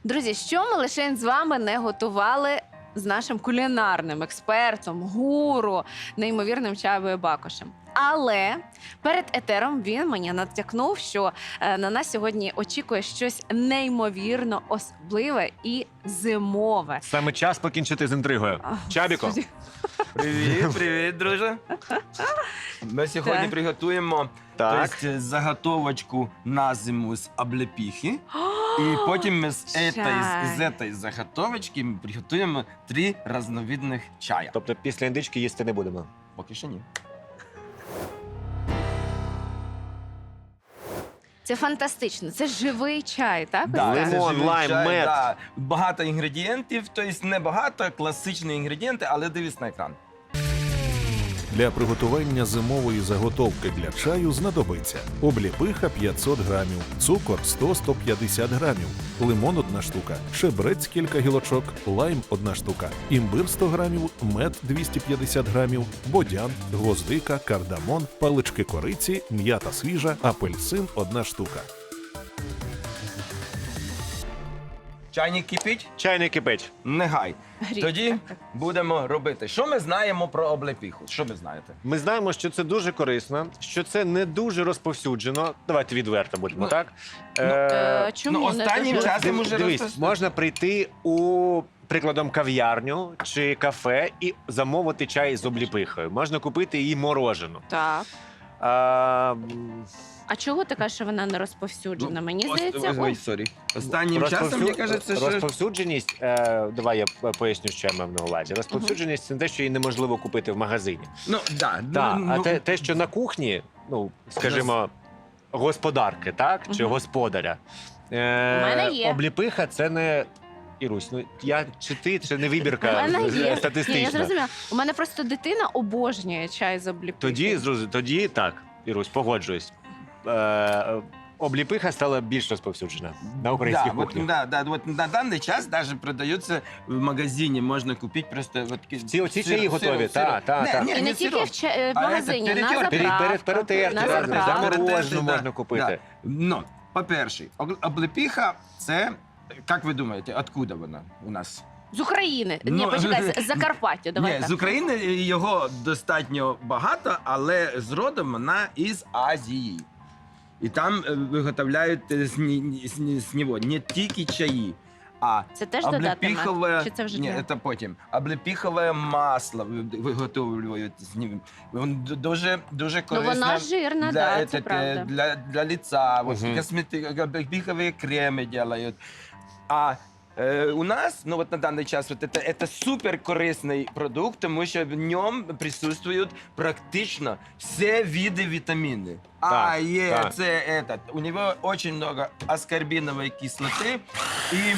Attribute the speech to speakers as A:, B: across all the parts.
A: Друзі, що ми лише з вами не готували з нашим кулінарним експертом, гуру, неймовірним Чабою Бакошем. Але перед етером він мені натякнув, що на нас сьогодні очікує щось неймовірно особливе і зимове.
B: Саме час покінчити з інтригою. Чабіко.
C: Привіт, привіт, друже. Ми сьогодні
A: Так.
C: приготуємо
B: Так.
C: заготовочку на зиму з облепихи. І потім ми з цієї заготовочки ми приготуємо 3 різновидних чая.
B: Тобто після індички їсти не будемо.
C: Поки що ні.
A: Це фантастично, це живий чай, так?
C: Да,
A: Ось
B: Лимон,
C: це живий
B: лайм,
C: чай,
B: мед.
C: да. Багато інгредієнтів, тобто не багато, класичні інгредієнти, але дивись на екран.
D: Для приготування зимової заготовки для чаю знадобиться обліпиха 500 грамів, цукор 100-150 грамів, лимон 1 штука, чебрець кілька гілочок, лайм 1 штука, імбир 100 грамів, мед 250 грамів, бодян, гвоздика, кардамон, палички кориці, м'ята свіжа, апельсин 1 штука.
C: Чайник кипить?
B: Чайник кипить.
C: Негай.
A: Гріх.
C: Тоді будемо робити. Що ми знаємо про облепиху? Що ви знаєте?
B: Ми знаємо, що це дуже корисно, що це не дуже розповсюджено. Давайте відверто будемо,
C: Ну,
B: так?
A: Чому
C: Ну,
A: не
C: останнім
A: дуже?
C: часом уже
B: Дивись, можна прийти у, прикладом, кав'ярню чи кафе і замовити чай з обліпихою. Можна купити її морожену.
A: Так.
B: А,
A: А чого ти кажеш, що вона не розповсюджена? Мені здається,
C: Ой, сорі. Останнім часом, мені кажеться, що...
B: Розповсюдженість, давай я поясню, що я мав на увазі. Розповсюдженість – це те, що її неможливо купити в магазині.
C: Ну, да.
B: Так,
C: ну,
B: а те, що на кухні, ну, скажімо, господарки, так, чи
A: Мгм.
B: господаря.
A: мене є.
B: Обліпиха – це не... Ірусь, ну я чи ти, це не вибірка
A: У мене є. Ні, я
B: статистична.
A: зрозуміла. У мене просто дитина обожнює чай з обліпихи.
B: Тоді так, Ірусь, погоджуюсь. Обліпиха стала більш розповсюджена на українській
C: да,
B: кухні.
C: вот на даний час даже продается в магазині, можна купити просто... Вот,
B: Оці чаї готові, так.
A: І не тільки в магазині, на
C: перетер-
A: заправках.
B: Перетерти,
A: на
B: так,
A: заправках.
B: заморожену можна купити.
C: Да. Ну, по-перше, облепиха – це, як ви думаєте, откуда вона у нас?
A: З України. Ні,
C: Ну,
A: почекай, з Закарпаття, давай
C: Ні,
A: так.
C: з України його достатньо багато, але з родом вона із Азії. І там виготовляють з нього не тільки чаї, а
A: Це теж додати мед? Чи це вже
C: Ні,
A: для?
C: це потім. Облепихове масло виготовлюють з ним. Воно дуже
A: Ну
C: корисно
A: вона жирна, да, це правда.
C: для лица. Вот,
B: Мгм.
C: облепиховые кремы делают. А у нас, ну вот на данный час, вот это супер корисний продукт, тому що в ньому присутствують практично всі види вітаміни. А,
B: Так,
C: Е,
B: так.
C: С, этот. У него очень много аскорбиновой кислоты и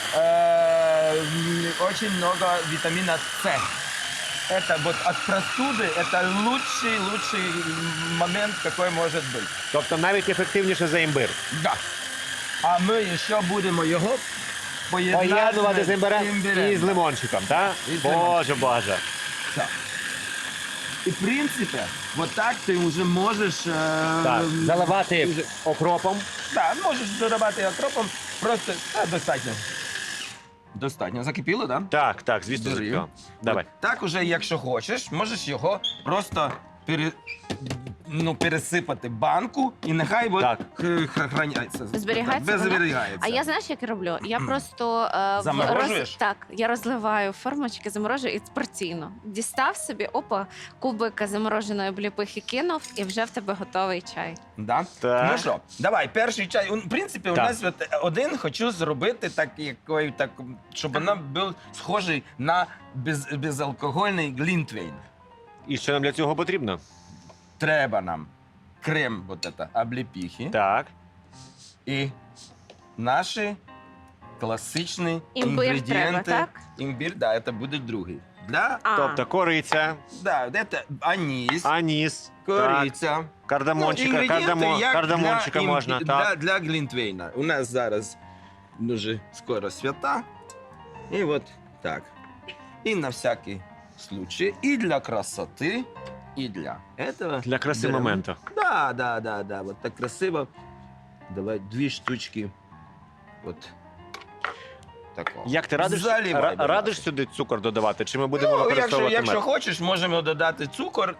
C: очень много витамина С. Это вот от простуды, это лучший момент, какой может быть.
B: Тобто навіть ефективніше за імбир.
C: Да. А ми ще будемо його
B: Поєднувати з імбирем і з лимончиком, так?
C: І з
B: Боже, боже.
C: Так. І в принципі, вот так ти вже можеш...
B: Так, заливати окропом.
C: Да, можеш додавати окропом, просто достатньо. Достатньо. Закипіло, так? Да?
B: Так, звісно,
C: Бери.
B: закипіло. Давай.
C: Так уже, якщо хочеш, можеш його просто пересипати в банку і нехай
B: Так.
C: храняється.
A: Зберігається вона?
C: Зберігається.
A: А я знаєш, як я роблю? Я просто
C: Заморожуєш?
A: так, я розливаю формочки, заморожую і порційно. Дістав собі, опа, кубик замороженої обліпихи кинув, і вже в тебе готовий чай.
C: Да?
B: Так.
C: Ну що, давай, перший чай. В принципі, у
B: Так.
C: нас от один хочу зробити, щоб вона був схожий на безалкогольний глінтвейн.
B: І що нам для цього потрібно?
C: Треба нам крем облепихи
B: Так.
C: і наші класичні
A: Імбир
C: інгредієнти.
A: треба, так?
C: Імбир, да, це буде другий.
B: Тобто кориця,
C: Да, це аніс,
B: аніс,
C: кориця.
B: так, кардамончика,
C: інгредієнти, як
B: кардамончика
C: для
B: можна, так.
C: для глінтвейна. У нас зараз дуже скоро свята. І от так. І на всякий случай, і для красоти, і для этого.
B: Для краси
C: беремо.
B: моменту.
C: Да. Вот так красиво. Давай 2 штучки. От. такого.
B: Як ти радиш,
C: Заливай, будь
B: радиш
C: ласка.
B: сюди цукор додавати, чи ми будемо
C: Ну, якщо,
B: використовувати
C: якщо
B: мед?
C: хочеш, можемо додати цукор.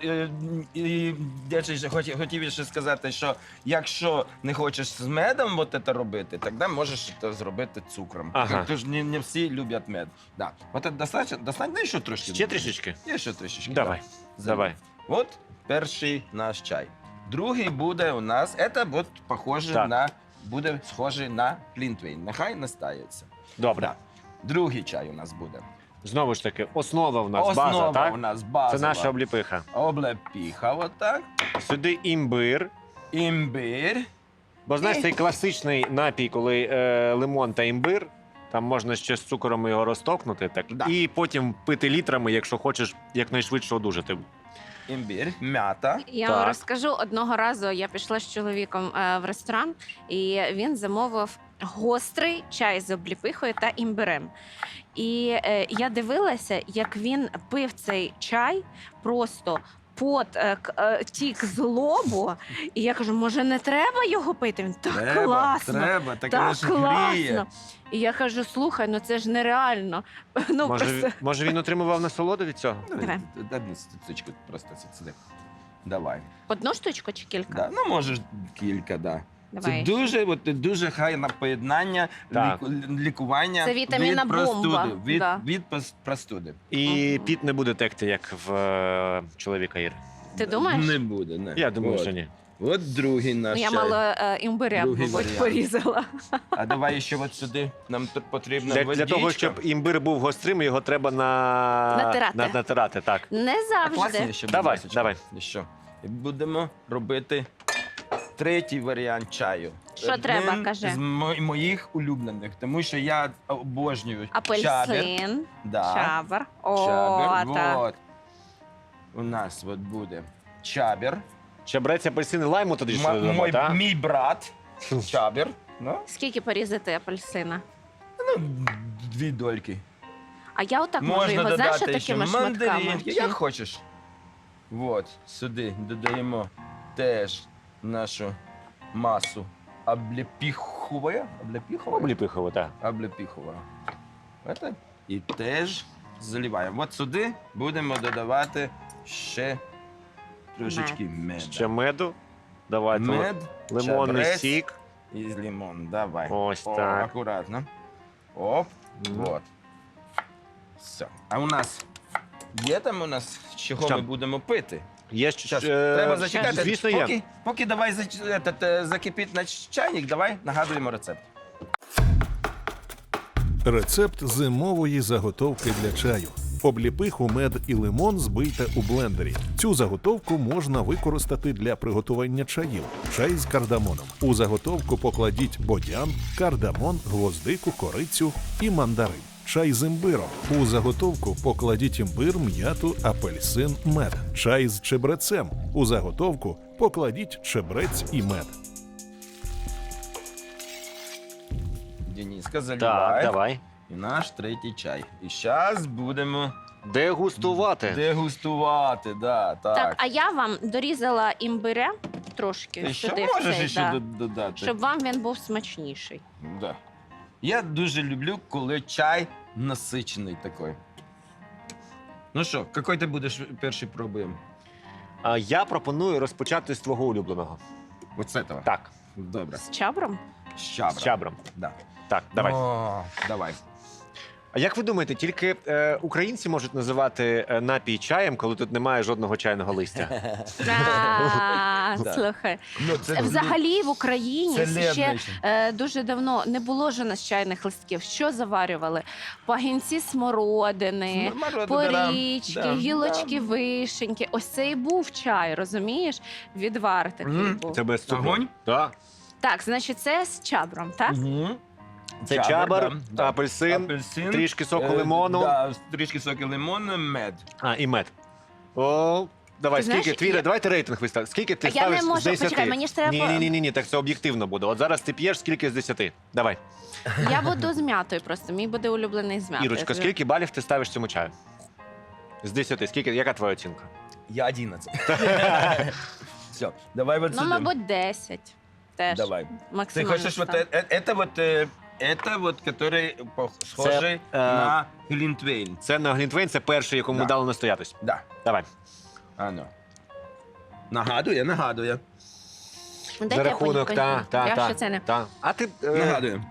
C: І я ще хотів ще сказати, що якщо не хочеш з медом от це робити, тоді можеш це зробити цукром.
B: Ага.
C: Тож не всі люблять мед. Да. От це достатньо, ще трошки.
B: Ще трішечки?
C: Є ще трішечки.
B: Давай,
C: да.
B: давай.
C: От перший наш чай. Другий буде у нас, це от похоже
B: Так.
C: на, буде схожий на плінтвейн. Нехай настається.
B: Добре.
C: Да. Другий чай у нас буде.
B: Знову ж таки, основа в нас,
C: Основа
B: база, так?
C: у нас базова.
B: Це наша обліпиха.
C: Облепіха, отак.
B: Сюди імбир.
C: Імбир.
B: Бо знаєш, цей класичний напій, коли лимон та імбир, там можна ще з цукором його розтокнути, так,
C: Да.
B: і потім пити літрами, якщо хочеш якнайшвидше одужати.
C: Імбир, м'ята.
A: Я
B: Так.
A: вам розкажу, одного разу я пішла з чоловіком в ресторан, і він замовив гострий чай з обліпихою та імбирем. І я дивилася, як він пив цей чай просто. Пот тік з лобу, і я кажу, може, не треба його пити? Він так класно,
C: треба,
A: так
C: ж гріє.
A: класно. І я кажу, слухай, ну це ж нереально. Ну,
B: Може,
A: просто...
B: може він отримував насолоду від цього?
A: Давай.
C: Одну стучку просто сюди. Давай.
A: Одну штучку чи кілька?
C: Да. Ну, можеш кілька, да.
A: Давай.
C: Це дуже гарне поєднання
B: Так.
C: лікування
A: Це вітамінна
C: від простуди.
A: бомба.
C: Від,
A: Да.
C: від простуди.
B: І піт не буде текти, як в чоловіка Іри.
A: Ти думаєш?
C: Не буде, не.
B: Я думаю,
C: От.
B: що ні.
C: От другий наш
A: Ну, я
C: чай.
A: мало імбиря,
C: Другий
A: мабуть,
C: варіант.
A: порізала.
C: А давай ще от сюди. Нам тут потрібна
B: Для того,
C: водичка.
B: щоб імбир був гострим, його треба
A: Натирати.
B: натирати, так.
A: Не
C: А класні
A: завжди.
C: ще, будь
B: Давай,
C: ласка.
B: давай.
C: І що? І будемо робити третій варіант чаю.
A: Що треба,
C: Він
A: кажи.
C: з моїх улюблених, тому що я обожнюю чабер.
A: Апельсин,
C: Да.
A: чабр. О,
C: Чабер.
A: так.
C: Вот. У нас от буде чабер.
B: Чебрець, апельсин і лайму тоді ще додамо, так?
C: Мій брат. Чабер. Ну,
A: Скільки порізати апельсина?
C: ну, 2 дольки.
A: А я отак можу
C: Можна
A: його, знаєш,
C: додати ще
A: такими шматками.
C: мандаринки,
A: Чи-
C: як хочеш. От, сюди додаємо теж нашу масу облепіхової.
B: Обліпихово, так.
C: Облепіхова. Это. І теж заливаємо. От сюди будемо додавати ще трошечки меду.
B: Ще меду. Давайте.
C: Мед,
B: Лимонний
C: чабрець
B: сік.
C: і лимон. Давай.
B: Ось
C: О,
B: так.
C: акуратно. Оп.
B: Мгм.
C: Вот. Все. А у нас є там у нас, чого
B: Що?
C: ми будемо пити?
B: Є
C: Щас, треба зачекати.
B: Звісно, є.
C: Поки давай закипить наш чайник, давай нагадуємо рецепт.
D: Рецепт зимової заготовки для чаю. Обліпиху, мед і лимон збийте у блендері. Цю заготовку можна використати для приготування чаїв. Чай з кардамоном. У заготовку покладіть бодян, кардамон, гвоздику, корицю і мандарин. Чай з імбиром. У заготовку покладіть імбир, м'яту, апельсин, мед. Чай з чебрецем. У заготовку покладіть чебрець і мед.
C: Дениска,
B: Так,
C: заливай.
B: давай.
C: І наш третій чай. І зараз будемо
B: Дегустувати.
C: дегустувати. Да, так.
A: Так, а я вам дорізала імбиря трошки
C: Ти ще
A: сюди, в
C: можеш
A: цей,
C: ще
A: да,
C: додати.
A: щоб вам він був смачніший.
C: Да. Я дуже люблю, коли чай насичений такий. Ну що, який ти будеш перший пробуємо?
B: А я пропоную розпочати з твого улюбленого.
C: Ось з цього?
B: Так,
C: Добре.
A: З чабром?
C: З чабра.
B: з чабром.
C: Да.
B: Так, давай.
C: О, давай.
B: А як ви думаєте, тільки українці можуть називати напій чаєм, коли тут немає жодного чайного листя?
C: Да.
A: Слухай.
C: Ну, це
A: Взагалі в Україні
C: це
A: ще
C: лебедь.
A: дуже давно не було ж у нас чайних листків. Що заварювали? Пагінці смородини, порічки,
C: Да,
A: гілочки
C: да.
A: вишеньки. Ось це і був чай, розумієш? Відвар такий
C: Мгм.
A: був.
B: Це без цукру.
C: Огонь?
B: Так.
A: Так, значить, це з чабром, так?
C: Мгм.
B: Це чабр,
C: да.
B: апельсин, трішки соку лимону.
C: Да, трішки соку лимону, мед.
B: А, і мед. О, давай,
A: Ти знаєш,
B: скільки? Давайте рейтинг вистав. Скільки ти
A: А я
B: ставиш
A: не можу,
B: з 10?
A: почекай, мені ж треба-
B: Ні, так це об'єктивно буде. От зараз ти п'єш, скільки з 10? Давай.
A: Я буду з м'ятою просто. Мій буде улюблений з м'ятою.
B: Ірочка, скільки балів ти ставиш цьому чаю? З 10. Скільки? Яка твоя оцінка?
C: Я 11. Все, давай вот
A: Ну,
C: сюди.
A: мабуть, 10. Теж.
C: Давай. Ты
A: Максимально
C: хочешь вот
A: ставлю.
C: это вот это вот, который схожий на глінтвейн.
B: Це на глінтвейн, це перший, якому
C: Да.
B: дали настоятись.
C: Да.
B: Давай.
C: Ано. Нагадує.
A: Дайте
B: За
A: я
B: рахунок,
A: понюхаю.
B: та.
A: Я ще це не.
B: А ти
C: Нагадує.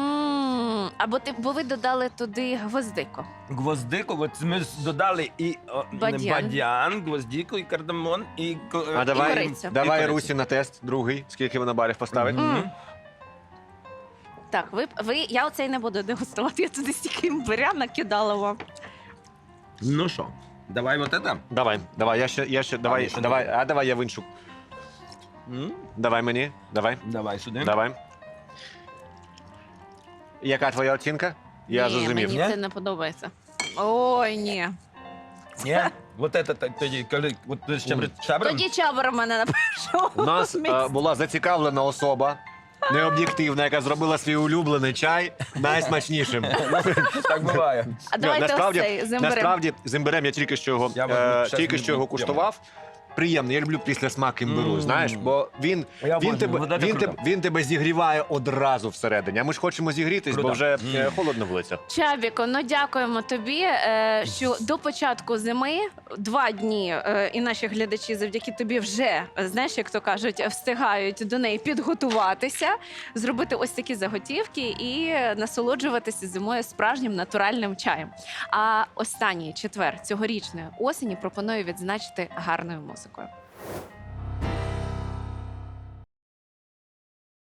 A: Бо ви додали туди гвоздику.
C: Гвоздику, от ми додали і
A: Бадьян.
C: бадьян, гвоздику, і кардамон, і
B: А давай,
A: кориця.
B: давай
C: кориця.
B: Русі на тест, другий, скільки вона барів поставить.
C: Мгм.
A: Так, я оцей не буду дегустувати, я туди стільки імбиря накидала вам.
C: Ну що, давай вот это.
B: Давай, я ще, давай,
C: ще
B: давай,
C: не
B: а давай я в іншу. Давай мені, давай,
C: Давай сюди.
B: давай. Яка твоя оцінка? Я
A: Ні,
B: зрозумів.
A: мені
C: Ні?
A: це не подобається. Ой, ні.
C: Ні? Вот это тоді, коли от шабром.
A: Тоді чабр у мене на першому
B: У нас
A: місці.
B: була зацікавлена особа, необ'єктивна, яка зробила свій улюблений чай найсмачнішим.
C: Так буває.
A: А давайте
B: насправді,
A: ось цей з імбирем.
B: насправді з імбирем я тільки що його,
C: Я от щас
B: тільки що його
C: не буду.
B: куштував. Приємний, я люблю після смак імбиру, знаєш, бо він
C: Я обожнюю, вот это круто.
B: він тебе зігріває одразу всередині. А ми ж хочемо зігрітись, бо
C: Круто.
B: вже холодно в вулицях.
A: Чабіко, ну дякуємо тобі, що до початку зими 2 дні і наші глядачі завдяки тобі вже, знаєш, як то кажуть, встигають до неї підготуватися, зробити ось такі заготівки і насолоджуватися зимою справжнім натуральним чаєм. А останній четвер цьогорічної осені пропоную відзначити гарною музикою.